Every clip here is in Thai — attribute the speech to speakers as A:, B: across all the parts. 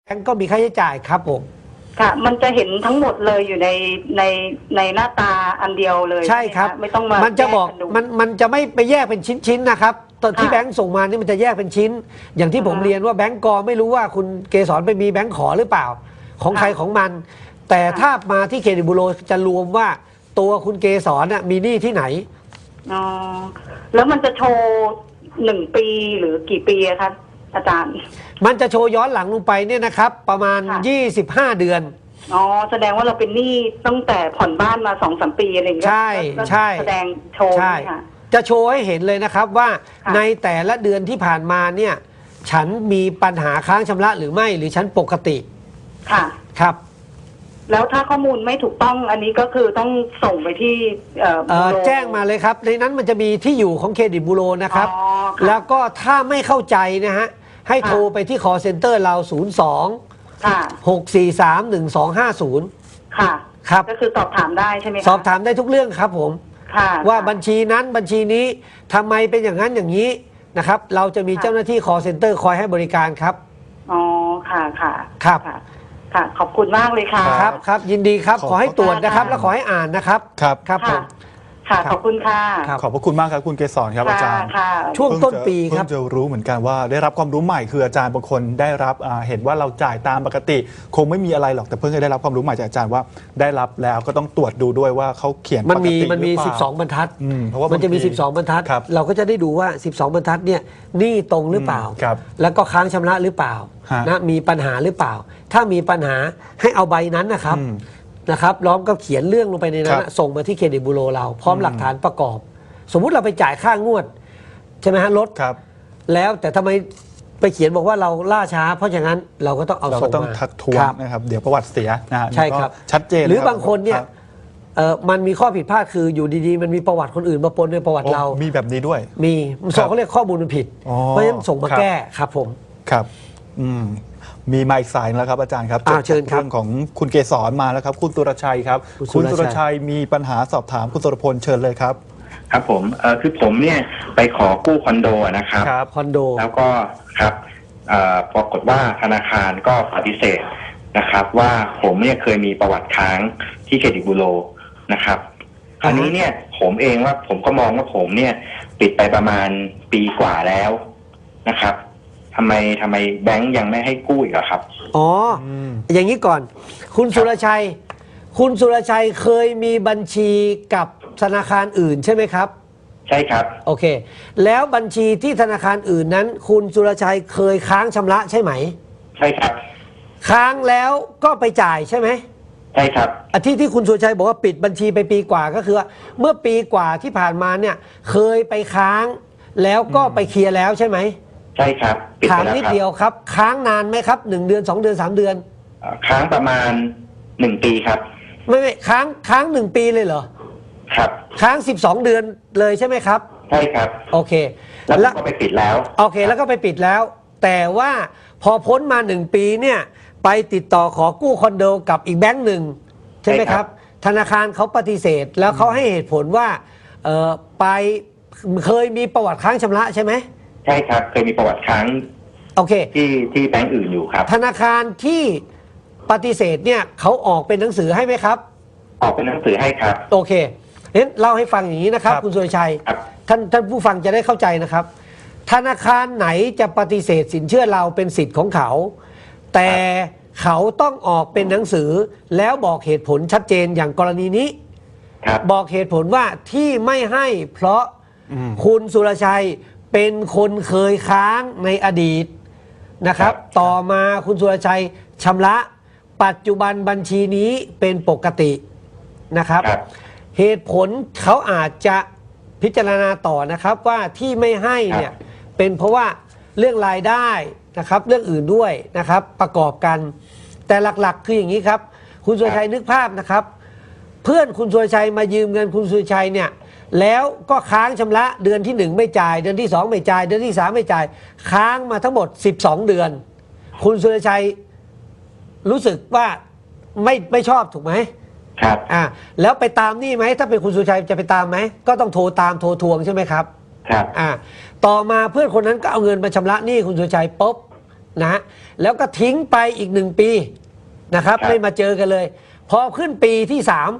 A: แบงก์ก็มีค่าใช้จ่ายครับผม
B: ค่ะมันจะเห็นทั้งหมดเลยอยู่ในหน้าตาอันเดียวเลย
A: ใช่ครับ
B: ไม่ต้องมา
A: มันจะบอกมันจะไม่ไปแยกเป็นชิ้นๆนะครับตอนที่แบงก์ส่งมานี่มันจะแยกเป็นชิ้นอย่างที่ผมเรียนว่าแบงก์กอไม่รู้ว่าคุณเกษรไปมีแบงก์ขอหรือเปล่าของใครของมันแต่ถ้ามาที่เครดิตบูโรจะรวมว่าตัวคุณเกษรมีหนี้ที่ไหน
B: อ๋อแล้วมันจะโชว์1 ปีหรือกี่ปีคะอาจารย์
A: มันจะโชว์ย้อนหลังลงไปเนี่ยนะครับประมาณ25 เดือน
B: อ๋อแสดงว่าเราเป็นหนี้ตั้งแต่ผ่อนบ้านมา2-3 ปีอะไรอย่างเงี้ย
A: ใช่
B: แสดงโชว์ค่ะ
A: จะโชว์ให้เห็นเลยนะครับว่าในแต่ละเดือนที่ผ่านมาเนี่ยฉันมีปัญหาค้างชำระหรือไม่หรือฉันปกติ
B: ค่ะ
A: ครับ
B: แล้วถ้าข้อมูลไม่ถูกต้องอันนี้ก็คือต้องส่งไปที่
A: แจ้งมาเลยครับในนั้นมันจะมีที่อยู่ของเครดิตบูโรนะครับแล้วก็ถ้าไม่เข้าใจนะฮะให้โทรไปที่ call center เรา02-643-1250
B: ค่ะ
A: ครับ
B: ก็คือสอบถามได้ใช่ไหมคะ
A: สอบถามได้ทุกเรื่องครับผมว่าบัญชีนั้นบัญชีนี้ทำไมเป็นอย่างนั้นอย่างนี้นะครับเราจะมีเจ้าหน้าที่ call center คอยให้บริการครับ
B: อ๋อค่ะ
A: ครับ
B: ค่ะขอบคุณมากเลยค่ะ
A: ครับยินดีครับขอให้ตรวจนะครับแล้วขอให้อ่านนะครับครับผม
B: ค่ะขอบคุณค่ะ
C: ขอบพระคุณมากครับคุณเกษรครับอาจารย์
A: ช่วงต้นปีครับ
C: เพิ่งจะรู้เหมือนกันว่าได้รับความรู้ใหม่คืออาจารย์บางคนได้รับเห็นว่าเราจ่ายตามปกติคงไม่มีอะไรหรอกแต่เพิ่งได้รับความรู้ใหม่จากอาจารย์ว่าได้รับแล้วก็ต้องตรวจดูด้วยว่าเขาเขียนปกติหรือเปล่ามันมี
A: 12 บรรทัด
C: เพราะว่า
A: มันจะมี12 บรรทัดเราก็จะได้ดูว่า12 บรรทัดเนี่ยหนี้ตรงหรือเปล่าแล้วก็ค้างชำระหรือเปล่านะมีปัญหาหรือเปล่าถ้ามีปัญหาให้เอาใบนั้นนะครับล้อมก็เขียนเรื่องลงไปในนั้นส่งมาที่เครดิตบูโรเราพร้อมหลักฐานประกอบสมมุติเราไปจ่ายค่างวดใช่ไหมฮะรถแล้วแต่ทำไมไปเขียนบอกว่าเราล่าช้าเพราะฉะนั้นเราก็ต้องเอาส่งมา
C: เราต้องทักท้วงนะครับเดี๋ยวประวัติเสียนะ
A: ใช่ครับ
C: ชัดเจน
A: หรือบางคนเนี่ยมันมีข้อผิดพลาดคืออยู่ดีๆมันมีประวัติคนอื่นมาปนในประวัติเรา
C: มีแบบนี้ด้วย
A: มีส่งเขาเรียกข้อมูลมันผิดเพราะฉะนั้นส่งมาแก้ครับผม
C: ครับมีมาอีกสายแล้วครับอาจารย์ครับ
A: เชิญครับ
C: เรื่องของคุณเกษรมาแล้วครับคุณสุรชัยครับคุณสุรชัยมีปัญหาสอบถามคุณสุรพลเชิญเลยครับ
D: ครับผมคือผมเนี่ยไปขอกู้คอนโดนะครับ
A: คอนโด
D: แล้วก็ครับปรากฏว่าธนาคารก็ปฏิเสธนะครับว่าผมเนี่ยเคยมีประวัติค้างที่เครดิตบูโรนะครับอันนี้เนี่ยผมเองว่าผมก็มองว่าผมเนี่ยปิดไปประมาณปีกว่าแล้วนะครับทำไมแบงก์ยังไม่ให้กู้อีกครับ
A: อย่างนี้ก่อนคุณสุรชัยเคยมีบัญชีกับธนาคารอื่นใช่ไหมครับ
D: ใช่ครับ
A: โอเคแล้วบัญชีที่ธนาคารอื่นนั้นคุณสุรชัยเคยค้างชำระใช่ไหม
D: ใช่ครับ
A: ค้างแล้วก็ไปจ่ายใช่ไหม
D: ใช่ครับ
A: ที่คุณสุรชัยบอกว่าปิดบัญชีไปปีกว่าก็คือเมื่อปีกว่าที่ผ่านมาเนี่ยเคยไปค้างแล้วก็ไปเคลียร์แล้วใช่ไหม
D: ใช่ครับ
A: ถามนิดเดียวครับค้างนานไหมครับ1 เดือน2 เดือน3 เดือน
D: ค้างประมาณ1 ปีครับ
A: ไม่ค้าง1 ปีเลยเหรอ
D: ครับ
A: ค้าง12 เดือนเลยใช่ไหมครับ
D: ใช่ครับ
A: โอเค
D: แล้วก็ไปปิดแล้ว
A: โอเคแล้วก็ไปปิดแล้วแต่ว่าพอพ้นมา1 ปีเนี่ยไปติดต่อขอกู้คอนโดกับอีกแบงก์หนึ่งใช่ไหมครับธนาคารเขาปฏิเสธแล้วเขาให้เหตุผลว่าไปเคยมีประวัติค้างชำระใช่ไหม
D: ใช่ครับเคยมีประวัติค้าง
A: โอเค
D: ที่แบงก์อื่นอยู่ครับ
A: ธนาคารที่ปฏิเสธเนี่ยเขาออกเป็นหนังสือให้ไหมครับ
D: ออกเป็นหนังสือให้ครับ
A: โอเคเล่าให้ฟังอย่างนี้นะครับคุณสุรชัยท่านผู้ฟังจะได้เข้าใจนะครับธนาคารไหนจะปฏิเสธสินเชื่อเราเป็นสิทธิ์ของเขาแต่เขาต้องออกเป็นหนังสือแล้วบอกเหตุผลชัดเจนอย่างกรณีนี้บอกเหตุผลว่าที่ไม่ให้เพราะคุณสุรชัยเป็นคนเคยค้างในอดีตนะครับต่อมาคุณสุรชัยชำระปัจจุบันบัญชีนี้เป็นปกตินะครับเหตุผลเขาอาจจะพิจารณาต่อนะครับว่าที่ไม่ให้เนี่ยเป็นเพราะว่าเรื่องรายได้นะครับเรื่องอื่นด้วยนะครับประกอบกันแต่หลักๆคืออย่างนี้ครับคุณสุรชัยนึกภาพนะครับเพื่อนคุณสุรชัยมายืมเงินคุณสุรชัยเนี่ยแล้วก็ค้างชำระเดือนที่1ไม่จ่ายเดือนที่2ไม่จ่ายเดือนที่3ไม่จ่ายค้างมาทั้งหมด12 เดือนคุณสุรชัยรู้สึกว่าไม่ชอบถูกไหม
D: ครับ
A: แล้วไปตามนี่ไหมถ้าเป็นคุณสุรชัยจะไปตามไหมก็ต้องโทรตามโทรทวงใช่ไหมครับ
D: ครับ
A: ต่อมาเพื่อนคนนั้นก็เอาเงินมาชำระหนี้คุณสุรชัยปุ๊บนะฮะแล้วก็ทิ้งไปอีก1 ปีนะครับ
D: ครับ
A: ไม่มาเจอกันเลย พอขึ้นปีที่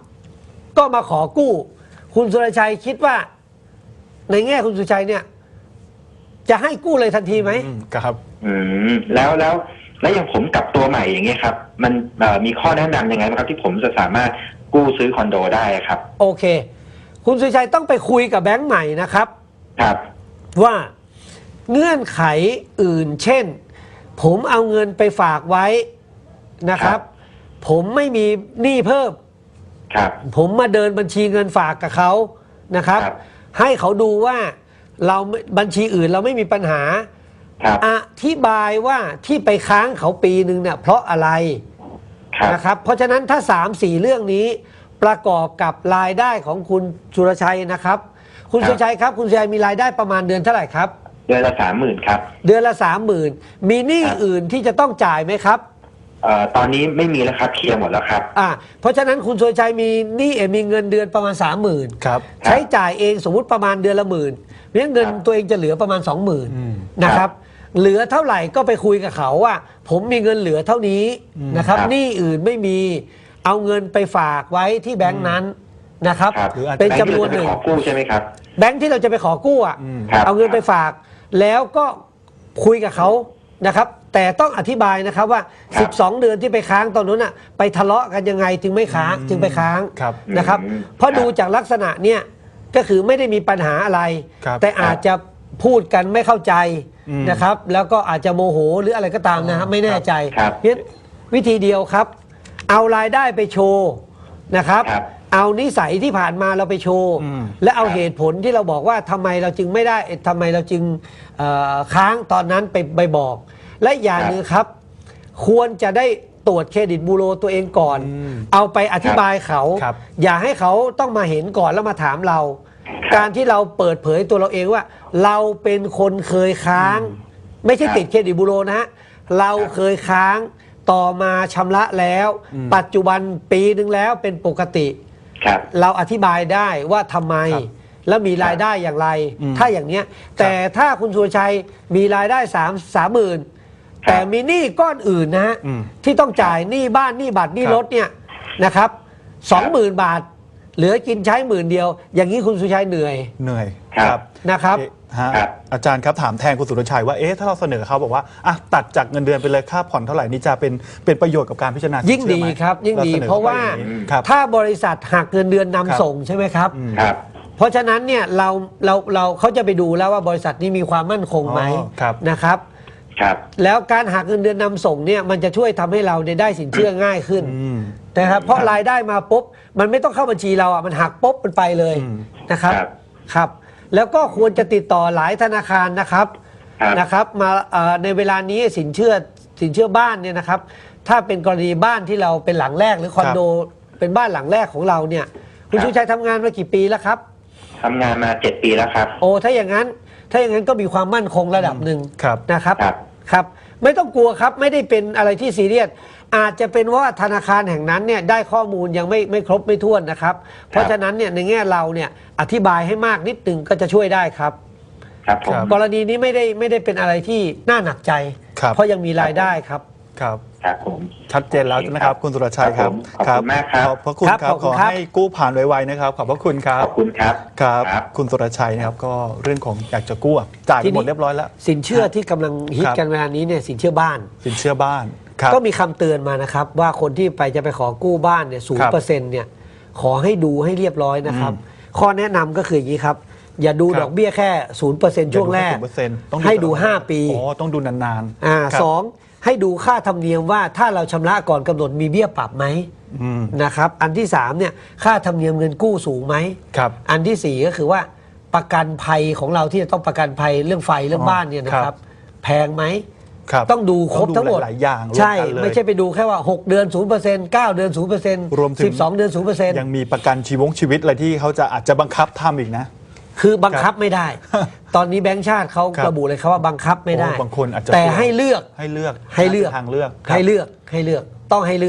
A: 3ก็มาขอกู้ คุณสุรชัยคิดว่า ในแง่คุณสุรชัยเนี่ยจะให้กู้เลยทันทีไหม
C: ครับ
D: แล้วอย่างผมกลับตัวใหม่อย่างเงี้ยครับ มันมีข้อแนะนำยังไงบ้างครับที่ผมจะสามารถกู้ซื้อคอนโดได้ครับ
A: โอเค คุณสุรชัยต้องไปคุยกับแบงก์ใหม่นะครับ
D: ครับ
A: ว่าเงื่อนไขอื่น เช่น ผมเอาเงินไปฝากไว้นะครับ ผมไม่มีหนี้เพิ่ม
D: ครับ
A: ผมมาเดินบัญชีเงินฝากกับเขานะครับ
D: ครับ
A: ให้เขาดูว่าเราบัญชีอื่นเราไม่มีปัญหา
D: ครับ
A: อธิบายว่าที่ไปค้างเขาปีหนึ่งเนี่ยเพราะอะไร
D: ครับ
A: นะครับ เพราะฉะนั้นถ้า 3-4 เรื่องนี้ประกอบกับรายได้ของคุณสุรชัยนะครับ คุณสุรชัยครับ คุณสุรชัยมีรายได้ประมาณเดือนเท่าไหร่ครับ
D: เดือนละ 30,000ครับ
A: เดือนละ 30,000มีหนี้
D: ครับ
A: อื่นที่จะต้องจ่ายไหมครับ
D: ตอนนี้ไม่มีแล้วครับเคลียร์หมดแล้วครับ
A: เพราะฉะนั้นคุณสุรชัยมีหนี้มีเงินเดือนประมาณ 30,000
C: ครับ
A: ใช้จ่ายเองสมมุติประมาณเดือนละ10,000เพราะฉะนั้นเงิน
D: ครับ
A: ตัวเองจะเหลือประมาณ 20,000นะครับ เหลือเท่าไหร่ก็ไปคุยกับเขาว่า ผมมีเงินเหลือเท่านี้นะครับ
D: ครับ
A: หนี้อื่นไม่มีเอาเงินไปฝากไว้ที่แบงค์นั้นนะครับ
D: ครับ
C: หรืออาจจะ
A: เป็นจำนวนหนึ่ง
D: แบค์ที่เราจะไปขอกู้ใช่ไหมครับ
A: แบงค์ที่เราจะไปขอกู้อ่ะ
D: ครับ
A: เอาเงินไปฝาก แล้วก็คุยกับเขานะครับ แต่ต้องอธิบายนะครับว่า
D: ครับ
A: 12 เดือนที่ไปค้างตอนนั้นน่ะไปทะเลาะกันยังไงถึงไม่ค้างจึงไปค้าง
C: ครับ
A: นะครับ เพราะดูจากลักษณะเนี่ยก็คือไม่ได้มีปัญหาอะไร
C: ครับ
A: แต่อาจจะพูดกันไม่เข้าใจ
C: อืม
A: นะครับ แล้วก็อาจจะโมโหหรืออะไรก็ตามนะครับไม่แน่ใจ
D: ครับ
A: เพราะฉะนั้นวิธีเดียวครับ เอารายได้ไปโชว์นะครับ
D: ครับ
A: เอานิสัยที่ผ่านมาเราไปโชว์
C: อืม
A: และเอาเหตุผลที่เราบอกว่าทำไมเราจึงไม่ได้ทำไมเราจึงค้างตอนนั้นไปบอก และอย่างหนึ่งครับ ควรจะได้ตรวจเครดิตบูโรตัวเองก่อน เอาไปอธิบายเขา
C: ครับ
A: อย่าให้เขาต้องมาเห็นก่อนแล้วมาถามเรา การที่เราเปิดเผยตัวเราเองว่า เราเป็นคนเคยค้าง ไม่ใช่
D: ครับ
A: ติดเครดิตบูโรนะฮะเราเคยค้างต่อมาชำระแล้ว ปัจจุบันปีหนึ่งแล้วเป็นปกติ
D: ครับ
A: เราอธิบายได้ว่าทำไม
C: ครับ
A: แล้วมีรายได้อย่างไร
C: อืม
A: ถ้าอย่างเนี้ย แต่ถ้าคุณสุรชัยมีรายได้30,000แต่มีหนี้ก้อนอื่นนะฮะ
C: อืม
A: ที่ต้องจ่ายหนี้บ้านหนี้บัตรหนี้
C: ครับ
A: รถเนี่ยนะครับ20,000 บาท เหลือกินใช้10,000 เดียว อย่างนี้คุณสุรชัยเหนื่อย
C: เหนื่อย
D: ครับ
A: นะครับ
C: เอ๊ะฮะ
D: ครับ
C: อาจารย์ครับถามแทนคุณสุรชัยว่าเอ๊ะถ้าเราเสนอเขาบอกว่าอ่ะตัดจากเงินเดือนไปเลยค่าผ่อนเท่าไหร่นี่จะเป็นประโยชน์กับการพิจารณาสิน
A: ยิ่ง
C: เชื่อ
A: ดี
C: ไหม
A: ครับยิ่งดี
C: สนอ
A: เพราะว่า
C: ขไปอย่งนี้ครับ
A: ถ้าบริษัทหักเงินเดือนนำ
C: ครับ
A: ส่งใช่ไหมครับ
D: ครับ
A: เพราะฉะนั้นเนี่ยเราเขาจะไปดูแล้วว่าบริษัทนี้มีความมั่นคงไหม
C: อ๋อครับ
A: นะครับ
D: ครับ
A: แล้วการหักเงินเดือนนำส่งเนี่ยมันจะช่วยทำให้เราเนี่ยได้สินเชื่อง่ายขึ้น
C: อืม
A: นะครับเพราะรายได้มาปุ๊บมันไม่ต้องเข้าบัญชีเราอ่ะมันหักปุ๊บมันไปเลย
C: อืม
A: นะครับ
D: ครับ
A: ครับ แล้วก็ควรจะติดต่อหลายธนาคารนะครับ
D: ครับ
A: นะครับมาในเวลานี้สินเชื่อบ้านเนี่ยนะครับ ถ้าเป็นกรณีบ้านที่เราเป็นหลังแรกหรือคอนโดเป็นบ้านหลังแรกของเราเนี่ยคุณ
D: ครับ
A: ชูชัยทำงานมากี่ปีแล้วครับ
D: ทำงานมา7 ปีแล้วครับ
A: โอ้ถ้าอย่างนั้นก็มีความมั่นคงระดับหนึ่ง
C: ครับ
A: นะครับ
D: ครับ
A: ครับ ไม่ต้องกลัวครับไม่ได้เป็นอะไรที่ซีเรียสอาจจะเป็นว่าธนาคารแห่งนั้นเนี่ยได้ข้อมูลยังไม่ครบไม่ถ้วนนะครับ เพราะฉะนั้นเนี่ยในแง่เราเนี่ยอธิบายให้มากนิดนึงก็จะช่วยได้ครับ
D: ครับผม
C: ครับ
A: กรณีนี้ไม่ได้เป็นอะไรที่น่าหนักใจ
C: ครับ
A: เพราะยังมีรายได้ครับ
C: ครับ
D: ครับผม
C: ชัดเจนแล้วนะครับ คุณสุรชัยครับ
D: ขอบคุณมากครับ
C: ขอบพระคุณ
A: ครับ
C: ครับ
A: ขอบคุ
C: ข
A: ณ
C: อ
A: ครับ
C: ให้กู้ผ่านไวๆนะครับ ขอบพระคุณครับ
D: ขอบคุณครับ
C: ครับ
D: ครับ
C: คุณสุรชัยนะครับก็เรื่องของอยากจะกู้อะจ่ายไปหมดเรียบร้อยแล้ว
A: สินเชื่อที่กำลังฮิต
C: ครับ
A: กันเวลานี้เนี่ยสินเชื่อบ้าน
C: สินเชื่อบ้านครับ
A: ก็มีคำเตือนมานะครับ ว่าคนที่จะไปขอกู้บ้านเนี่ย0%เนี่ยขอให้ดูให้เรียบร้อยนะครับ ข้อแนะนำก็คืออย่างนี้ครับ อย่าดู
C: ครับ
A: ดอกเบี้ยแค่0%ช่วงแรก
C: 0%ต้อง
A: ให้ดู
C: ตลอ
A: 5 ปี
C: อ๋อต้องดูนานๆครับ
A: สองให้ดูค่าธรรมเนียมว่าถ้าเราชำระก่อนกำหนดมีเบี้ยปรับไหม
C: อืม
A: นะครับ อันที่3เนี่ยค่าธรรมเนียมเงินกู้สูงไหม
C: ครับ
A: อันที่ 4 ก็คือว่าประกันภัยของเราที่จะต้องประกันภัยเรื่องไฟเรื่องบ้านเนี่ยนะค
C: ครั
A: รับ
C: บ
A: แพงไหม
C: ครับ
A: ต้องดูครบทั้งหมด
C: หลายๆอย่างรวม
A: ใช่
C: กันเลย
A: ไม่ใช่ไปดูแค่ว่า 6 เดือน 0% 9 เดือน 0%
C: รวมถึง
A: 12 เดือน 0%
C: ยังมีประกันชีวิตอะไรที่เขาจะอาจจะบังคับทำอีกนะ
A: คือบังคับไม่ได้ ตอนนี้แบงก์ชาติเขา
C: ครับ
A: ระบุเลยครับว่าบังคับไม่ได้
C: โอ้บางคนอาจจะ
A: แต่ให้เลือก
C: ให้เลือก
A: ให้เลือก
C: ทางเลือกครับ
A: ให้เลือกต้องให้เลือก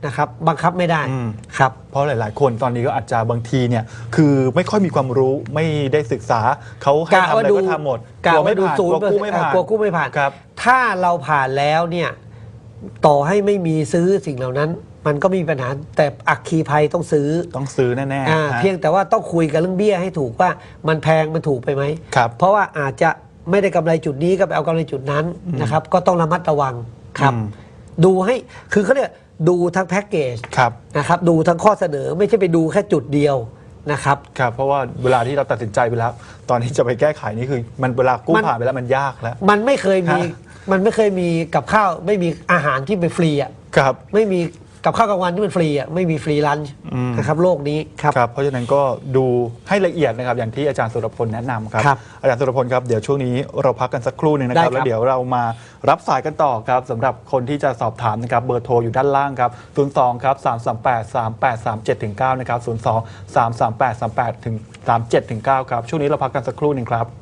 A: นะครับบังคับไม่ได้
C: อืม
A: ครับ
C: เพราะหลาย ๆ คนตอนนี้ก็อาจจะบางทีเนี่ยคือไม่ค่อยมีความรู้ไม่ได้ศึกษาเขาให้ทำอะไรก็ทำหมด
A: กะ
C: กลัว
A: ว่า
C: ไม่
A: ดู
C: ผ่าน
A: ศู
C: ก
A: น
C: ลัว
A: ย์
C: กู้ไม่ผ่าน
A: กลัวกู้ไม่ผ่าน
C: ครับ
A: ถ้าเราผ่านแล้วเนี่ยต่อให้ไม่มีซื้อสิ่งเหล่านั้น มันก็ไมมีปัญหาแต่อัคคีภัยต้องซื้อ
C: ต้องซื้อแน่ๆฮะ
A: เพียงแต่ว่าต้องคุยกันเรื่องเบี้ยให้ถูกว่ามันแพงมันถูกไปไหม
C: ครับ
A: เพราะว่าอาจจะไม่ได้กำไรจุดนี้ก็ไปเอากำไรจุดนั้นนะครับ ก็ต้องระมัดระวังครับ
C: อืม
A: ดูให้คือเขาเรียกดูทั้งแพ็กเกจ
C: ครับ
A: นะครับ ดูทั้งข้อเสนอไม่ใช่ไปดูแค่จุดเดียวนะครับ
C: ครับเพราะว่าเวลาที่เราตัดสินใจไปแล้ว ตอนที่จะไปแก้ไขนี่คือมันเวลากู้
A: มัน
C: ผ่านไปแล้วมันยากแล้ว
A: มันไม่เคยมี
C: ฮะ
A: มันไม่เคยมีกับข้าวไม่มีอาหารที่เป็นฟรีอ่ะ
C: ครับ
A: ไม่มีกับข้าวกลางวันที่เป็นฟรีอ่ะไม่มีฟรีลันช์
C: อืม
A: นะครับโลกนี้ครับ
C: ครับเพราะฉะนั้นก็ดูให้ละเอียดนะครับอย่างที่อาจารย์สุรพลแนะนำครับ
A: ครับ
C: อาจารย์สุรพลครับเดี๋ยวช่วงนี้เราพักกันสักครู่หนึ่งนะครับ
A: ได้ครับ
C: แล้วเดี๋ยวเรามารับสายกันต่อครับสำหรับคนที่จะสอบถามนะครับเบอร์โทรอยู่ด้านล่างครับ02ครับ338 3837ถึง9นะครับ02 338 38ถึง37ถึง9ครับช่วงนี้เราพักกันสักครู่หนึ่งครับ